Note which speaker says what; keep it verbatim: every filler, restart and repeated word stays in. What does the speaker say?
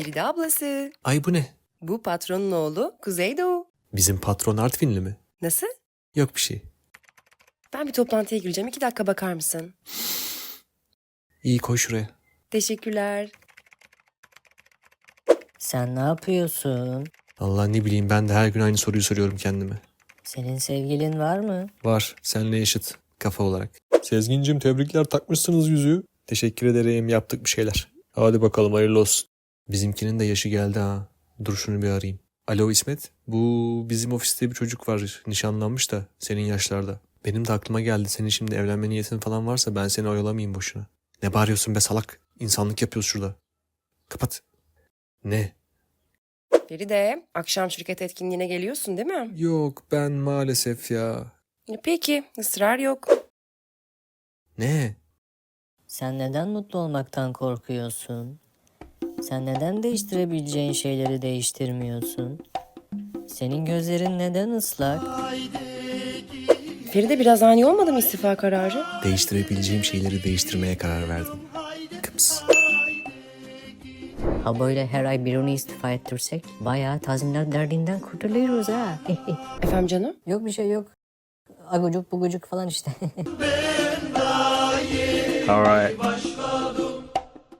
Speaker 1: Feride ablası.
Speaker 2: Ay bu ne?
Speaker 1: Bu patronun oğlu Kuzeydoğu.
Speaker 2: Bizim patron Artvinli mi?
Speaker 1: Nasıl?
Speaker 2: Yok bir şey.
Speaker 1: Ben bir toplantıya gireceğim. İki dakika bakar mısın?
Speaker 2: İyi koy şuraya.
Speaker 1: Teşekkürler.
Speaker 3: Sen ne yapıyorsun?
Speaker 2: Allah ne bileyim ben de her gün aynı soruyu soruyorum kendime.
Speaker 3: Senin sevgilin var mı?
Speaker 2: Var seninle eşit kafa olarak. Sezgincim tebrikler takmışsınız yüzüğü. Teşekkür ederim yaptık bir şeyler. Hadi bakalım hayırlı olsun. Bizimkinin de yaşı geldi ha. Dur şunu bir arayayım. Alo İsmet. Bu bizim ofiste bir çocuk var. Nişanlanmış da senin yaşlarda. Benim de aklıma geldi. Senin şimdi evlenme niyetin falan varsa ben seni oyalamayayım boşuna. Ne bağırıyorsun be salak? İnsanlık yapıyoruz şurada. Kapat. Ne?
Speaker 1: Feride, akşam şirket etkinliğine geliyorsun değil mi?
Speaker 2: Yok ben maalesef ya.
Speaker 1: Peki, ısrar yok.
Speaker 2: Ne?
Speaker 3: Sen neden mutlu olmaktan korkuyorsun? Sen neden değiştirebileceğin şeyleri değiştirmiyorsun? Senin gözlerin neden ıslak?
Speaker 1: Feride biraz ani olmadı mı istifa kararı?
Speaker 2: Değiştirebileceğim şeyleri değiştirmeye karar verdim. Kıps.
Speaker 3: Ha böyle her ay birini istifa ettirsek bayağı tazminat derdinden kurtuluyoruz ha.
Speaker 1: Efendim canım?
Speaker 3: Yok bir şey yok. Agucuk bugucuk falan işte.
Speaker 2: Alright.